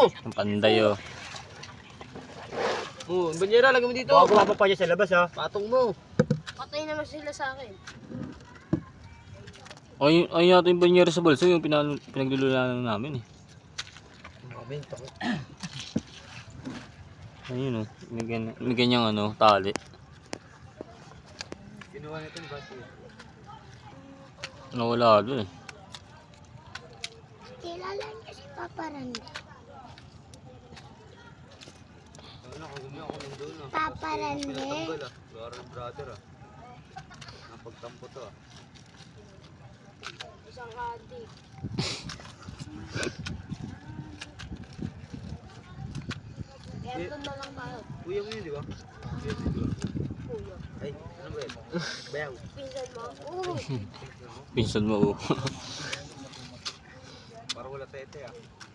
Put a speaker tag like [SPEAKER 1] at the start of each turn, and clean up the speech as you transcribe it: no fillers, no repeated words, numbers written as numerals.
[SPEAKER 1] Ang panday oh.
[SPEAKER 2] Oh, banyera, lagay mo dito.
[SPEAKER 3] Baka gumapa pa niya sa labas ha.
[SPEAKER 2] Patong mo.
[SPEAKER 4] Patay naman sila sa akin.
[SPEAKER 1] Ay yata yung banyera sa balso, yung pinaglululaan namin eh. Ayun oh, may ganyang ano, tali.
[SPEAKER 2] Kinuha nito ni Bati.
[SPEAKER 1] Nawala doon eh.
[SPEAKER 4] Kilala niya si Papa Randy. Papa Randy.
[SPEAKER 2] Brother ah. Napagtampo to ah.
[SPEAKER 4] Isang adik. Kaya doon na lang tayo.
[SPEAKER 2] Kuya mo yun, di ba?
[SPEAKER 4] Kuya.
[SPEAKER 2] Ay, ano ba yun? Bayaw.
[SPEAKER 4] Pinsan mo. Oo.
[SPEAKER 1] Pinsan mo oh.
[SPEAKER 2] Para wala tete ah.